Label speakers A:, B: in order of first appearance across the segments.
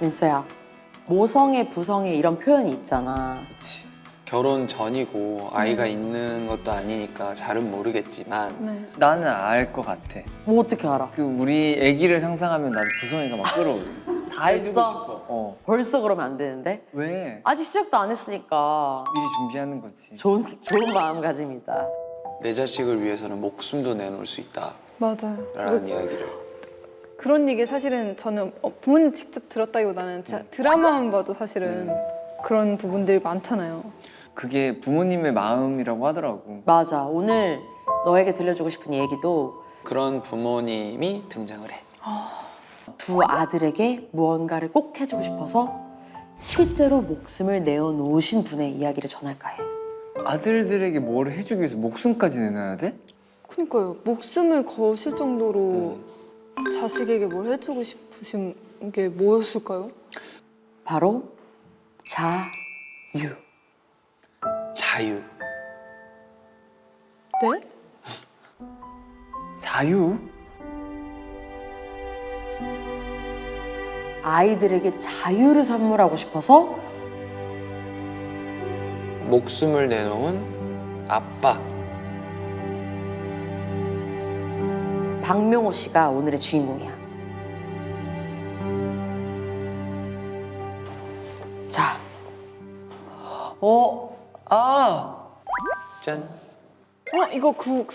A: 민수야, 모성애, 부성애 이런 표현이 있잖아.
B: 그치.
C: 결혼 전이고 아이가 있는 것도 아니니까 잘은 모르겠지만
D: 네.
B: 나는 알 것 같아.
A: 뭐 어떻게 알아?
B: 그 우리 아기를 상상하면 나도 부성애가 막 끌어올려. 다 해주고
A: 벌써?
B: 싶어. 어.
A: 벌써 그러면 안 되는데?
B: 왜?
A: 아직 시작도 안 했으니까
B: 미리 준비하는 거지.
A: 좋은 마음가짐이다.
C: 내 자식을 위해서는 목숨도 내놓을 수
D: 맞아요.
C: 있다라는 이야기를.
D: 그런 얘기 사실은 저는 부모님 직접 들었다기보다는 진짜 드라마만 봐도 사실은 그런 부분들이 많잖아요.
B: 그게 부모님의 마음이라고 하더라고.
A: 맞아. 오늘 너에게 들려주고 싶은 얘기도
C: 그런 부모님이 등장을 해.
A: 두 아들에게 무언가를 꼭 해주고 싶어서 실제로 목숨을 내어놓으신 분의 이야기를 전할까 해.
B: 아들들에게 뭘 해주기 위해서 목숨까지 내놔야 돼?
D: 그러니까요. 목숨을 거실 정도로 자식에게 뭘 해주고 싶으신 게 뭐였을까요?
A: 바로 자유.
C: 자유.
D: 네?
B: 자유?
A: 아이들에게 자유를 선물하고 싶어서
C: 목숨을 내놓은 아빠.
A: 박명호 씨가 오늘의 주인공이야. 자,
B: 아!
C: 짠.
D: 이거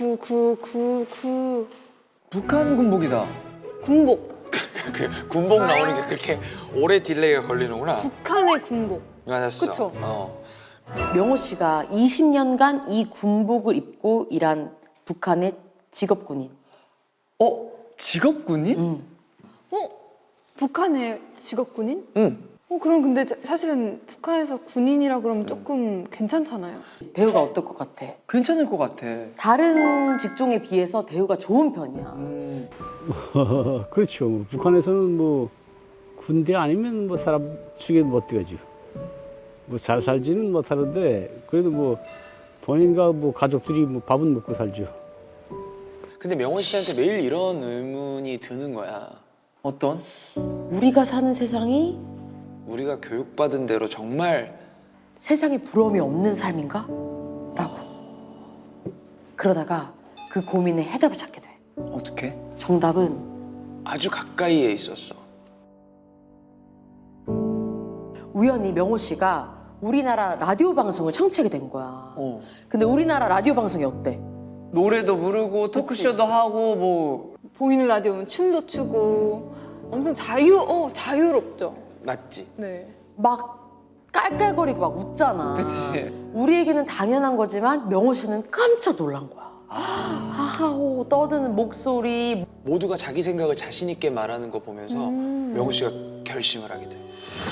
B: 북한 군복이다.
D: 군복.
C: 그 군복 나오는 게 그렇게 오래 딜레이가 걸리는구나.
D: 북한의 군복.
C: 맞았어.
D: 그쵸?
A: 명호 씨가 20년간 이 군복을 입고 일한 북한의 직업군인.
B: 직업군인?
D: 북한의 직업군인?
C: 응.
D: 그럼 근데 사실은 북한에서 군인이라 그러면 조금 괜찮잖아요.
A: 대우가 어떨 것 같아?
B: 괜찮을 것 같아.
A: 다른 직종에 비해서 대우가 좋은 편이야.
E: 그렇죠. 뭐 북한에서는 뭐 군대 아니면 뭐 사람 죽여 못 되죠. 뭐 잘 살지는 못하는데 그래도 뭐 본인과 뭐 가족들이 뭐 밥은 먹고 살죠.
C: 근데 명원 씨한테 매일 이런 의문이 드는 거야.
B: 어떤?
A: 우리가 사는 세상이
C: 우리가 교육받은 대로 정말
A: 세상에 부러움이 없는 삶인가? 라고. 그러다가 그 고민에 해답을 찾게 돼.
B: 어떻게?
A: 정답은
C: 아주 가까이에 있었어.
A: 우연히 명호 씨가 우리나라 라디오 방송을 청취하게 된 거야.
B: 어.
A: 근데 우리나라 라디오 방송이 어때?
B: 노래도 부르고 토크쇼도 하고 뭐
D: 보이는 라디오면 춤도 추고 엄청 자유롭죠.
C: 맞지?
D: 네.
A: 막 깔깔거리고 막 웃잖아.
B: 그치.
A: 우리에게는 당연한 거지만 명호 씨는 깜짝 놀란 거야. 하하호 떠드는 목소리.
C: 모두가 자기 생각을 자신 있게 말하는 거 보면서 명호 씨가 결심을 하게 돼.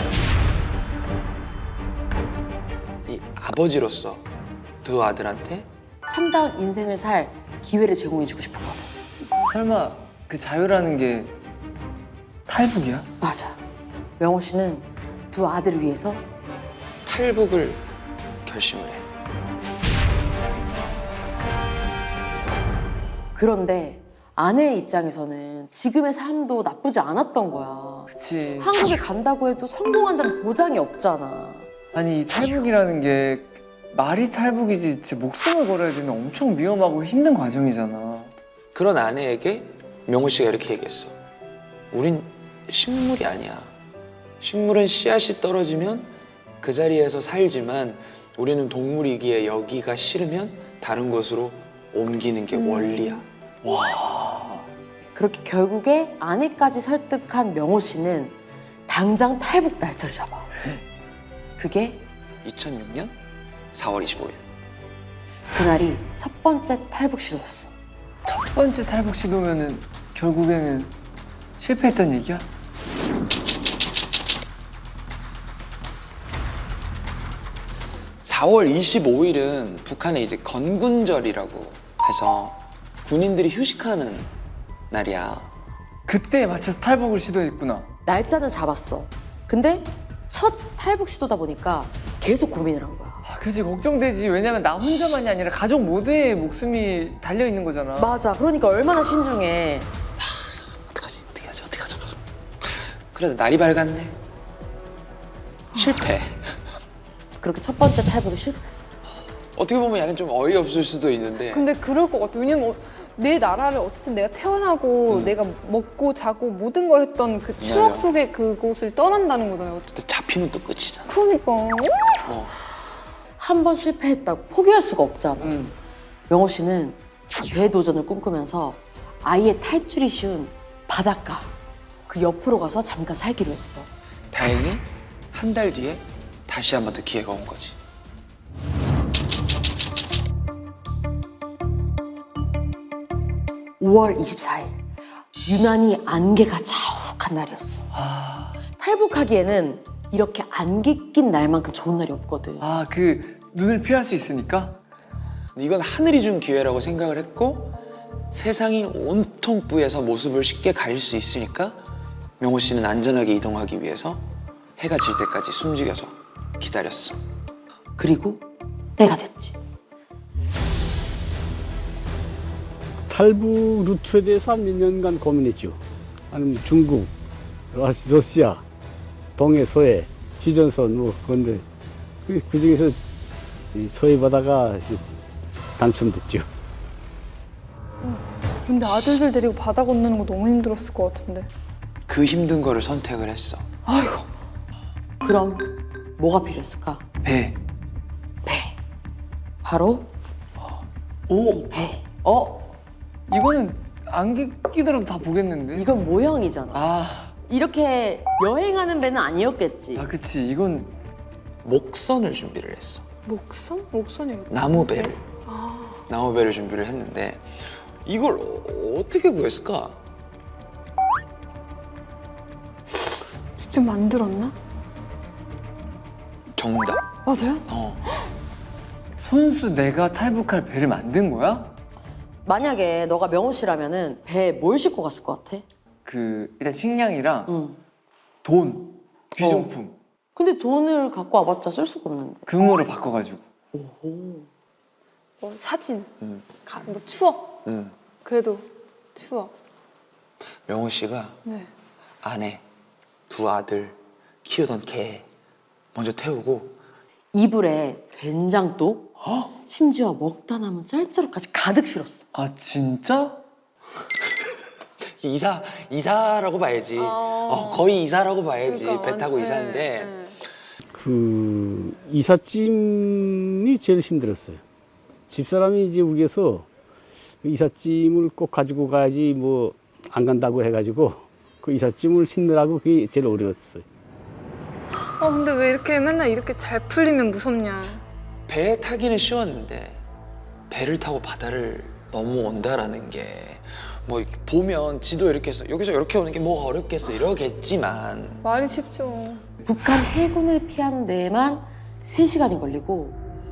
C: 이 아버지로서 두 아들한테
A: 참다운 인생을 살 기회를 제공해주고 싶었거든.
B: 설마 그 자유라는 게 탈북이야?
A: 맞아. 명호 씨는 두 아들을 위해서
C: 탈북을 결심을 해.
A: 그런데 아내의 입장에서는 지금의 삶도 나쁘지 않았던 거야.
B: 그치.
A: 한국에 간다고 해도 성공한다는 보장이 없잖아.
B: 아니 이 탈북이라는 게 말이 탈북이지 제 목숨을 걸어야 되는 엄청 위험하고 힘든 과정이잖아.
C: 그런 아내에게 명호 씨가 이렇게 얘기했어. 우린 식물이 아니야. 식물은 씨앗이 떨어지면 그 자리에서 살지만 우리는 동물이기에 여기가 싫으면 다른 곳으로 옮기는 게 원리야.
A: 그렇게 결국에 아내까지 설득한 명호 씨는 당장 탈북 날짜를 잡아. 그게
C: 2006년 4월 25일.
A: 그날이 첫 번째 탈북 시도였어.
B: 첫 번째 탈북 시도면은 결국에는 실패했단 얘기야?
C: (4월 25일은) 북한의 이제 건군절이라고 해서 군인들이 휴식하는 날이야.
B: 그때에 맞춰서 탈북을 시도했구나.
A: 날짜는 잡았어. 근데 첫 탈북 시도다 보니까 계속 고민을 한 거야.
B: 그치 걱정되지. 왜냐면 나 혼자만이 아니라 가족 모두의 목숨이 달려있는 거잖아.
A: 맞아. 그러니까 얼마나 신중해.
C: 어떡하지? 어떻게 하죠? 그래도 날이 밝았네. 실패.
A: 그렇게 첫 번째 탈북에 실패했어.
C: 어떻게 보면 약간 좀 어이없을 수도 있는데
D: 근데 그럴 것 같아. 왜냐면 내 나라를 어쨌든 내가 태어나고 내가 먹고 자고 모든 걸 했던 그 추억
C: 맞아.
D: 속에 그곳을 떠난다는 거잖아요.
C: 또 잡히면 또 끝이잖아.
D: 그러니까.
C: 어.
A: 한 번 실패했다고 포기할 수가 없잖아. 명호 씨는 재도전을 꿈꾸면서 아예 탈출이 쉬운 바닷가 그 옆으로 가서 잠깐 살기로 했어.
C: 다행히 한 달 뒤에 다시 한 번 더 기회가 온 거지.
A: (5월 24일) 유난히 안개가 자욱한 날이었어. 탈북하기에는 이렇게 안개 낀 날만큼 좋은 날이 없거든.
B: 아, 그 눈을 피할 수 있으니까?
C: 이건 하늘이 준 기회라고 생각을 했고 세상이 온통 뿌에서 모습을 쉽게 가릴 수 있으니까 명호 씨는 안전하게 이동하기 위해서 해가 질 때까지 숨죽여서 기다렸어.
A: 그리고 때가 됐지.
E: 탈북 루트에 대해서 한 몇 년간 고민했죠. 아니면 중국, 러시아, 동해, 서해, 휴전선 뭐 그런데 그 중에서 이 서해 바다가 이제 당첨됐죠.
D: 근데 아들들 데리고 바다 건너는 거 너무 힘들었을 것 같은데.
C: 그 힘든 거를 선택을 했어.
D: 아이고.
A: 그럼 뭐가 필요했을까?
B: 배.
A: 배. 바로
B: 오!
A: 배.
B: 이거는 안개 끼더라도 다 보겠는데?
A: 이건 모형이잖아.
B: 아,
A: 이렇게 여행하는 배는 아니었겠지.
B: 그치. 이건
C: 목선을 준비를 했어.
D: 목선? 목선이 뭐야?
C: 나무배를.
D: 아.
C: 나무배를 준비를 했는데 이걸 어떻게 구했을까?
D: 직접 만들었나?
C: 정답.
D: 맞아요?
B: 손수 내가 탈북할 배를 만든 거야?
A: 만약에 너가 명호 씨라면은 배에 뭘 싣고 갔을 것 같아?
B: 일단 식량이랑
A: 응.
B: 돈, 귀중품,
A: 근데 돈을 갖고 와봤자 쓸 수가 없는데.
B: 금으로 바꿔가지고.
D: 뭐 사진,
C: 음.
D: 뭐 추억.
C: 응.
D: 그래도 추억.
C: 명호 씨가
D: 네.
C: 아내, 두 아들, 키우던 개 먼저 태우고
A: 이불에 된장도 심지어 먹다 남은 쌀자루까지 가득 실었어.
B: 아, 진짜?
C: 이사라고 봐야지. 거의 이사라고 봐야지.
D: 그러니까
C: 배 타고
D: 네,
C: 이사인데
D: 네.
E: 그 이삿짐이 제일 힘들었어요. 집사람이 이제 우겨서 이삿짐을 꼭 가지고 가야지 뭐 안 간다고 해가지고 그 이삿짐을 싣느라고 그게 제일 어려웠어요.
D: 근데 왜 이렇게 맨날 이렇게 잘 풀리면 무섭냐.
C: 배 타기는 쉬웠는데 배를 타고 바다를 넘어온다라는 게 뭐 보면 지도 이렇게 해서 여기서 이렇게 오는 게 뭐가 어렵겠어 이러겠지만
D: 말이 쉽죠.
A: 북한 해군을 피하는 데에만 3시간이 걸리고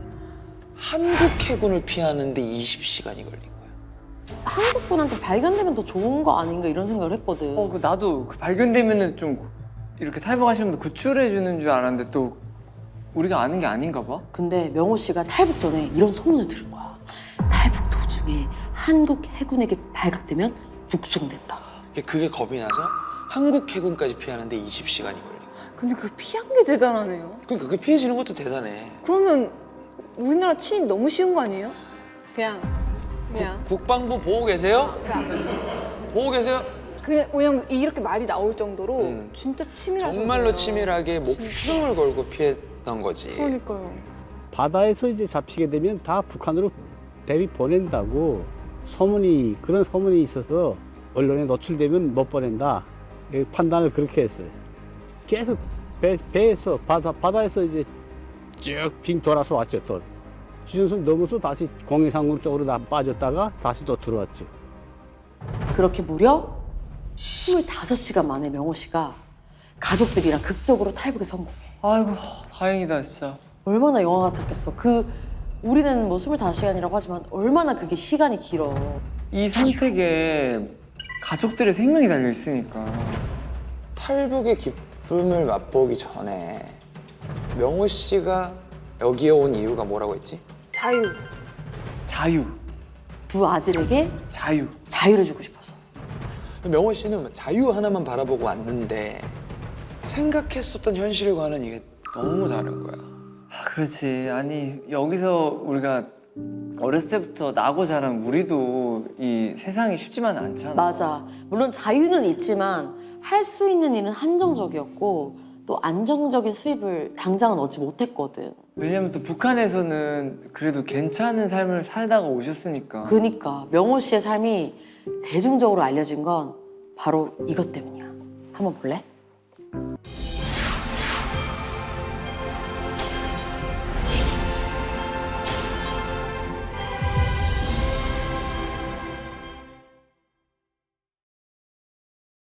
C: 한국 해군을 피하는데 20시간이 걸린 거야.
A: 한국분한테 발견되면 더 좋은 거 아닌가 이런 생각을 했거든.
B: 나도 발견되면은 좀 이렇게 탈북하시는 분들 구출해주는 줄 알았는데 또 우리가 아는 게 아닌가 봐?
A: 근데 명호 씨가 탈북 전에 이런 소문을 들은 거야. 탈북 도중에 한국 해군에게 발각되면 북송된다.
C: 그게 겁이 나서 한국 해군까지 피하는데 20시간이 걸린 거야.
D: 근데 그 피한 게 대단하네요.
C: 그러니까 그게 피해지는 것도 대단해.
D: 그러면 우리나라 침입 너무 쉬운 거 아니에요? 그냥
C: 국방부 보고 계세요? 보고 계세요?
D: 그냥 이렇게 말이 나올 정도로
C: 음.
D: 진짜 치밀하죠.
C: 정말로 치밀하게 목숨을 걸고 피했던 거지.
D: 그러니까요.
E: 바다에서 이제 잡히게 되면 다 북한으로 대비 보낸다고 그런 소문이 있어서 언론에 노출되면 못 보낸다 판단을 그렇게 했어요. 계속 배에서 바다에서 이제 쭉 빙 돌아서 왔죠. 또 휴전선 넘어서 다시 공해상공 쪽으로 빠졌다가 다시 또 들어왔죠.
A: 그렇게 무려 25시간 만에 명호 씨가 가족들이랑 극적으로 탈북에 성공해.
B: 아이고, 다행이다, 진짜.
A: 얼마나 영화 같았겠어. 우리는 뭐 25시간이라고 하지만 얼마나 그게 시간이 길어.
B: 이 선택에 가족들의 생명이 달려 있으니까.
C: 탈북의 기쁨을 맛보기 전에 명호 씨가 여기에 온 이유가 뭐라고 했지?
D: 자유.
B: 자유,
A: 두 아들에게
B: 자유.
A: 자유를 주고 싶어서.
C: 명호 씨는 자유 하나만 바라보고 왔는데 생각했었던 현실과는 이게 너무 다른 거야.
B: 아, 그렇지. 아니 여기서 우리가 어렸을 때부터 나고 자란 우리도 이 세상이 쉽지만 않잖아.
A: 맞아. 물론 자유는 있지만 할 수 있는 일은 한정적이었고 또 안정적인 수입을 당장은 얻지 못했거든.
B: 왜냐면 또 북한에서는 그래도 괜찮은 삶을 살다가 오셨으니까.
A: 그러니까 명호 씨의 삶이 대중적으로 알려진 건 바로 이것 때문이야. 한번 볼래?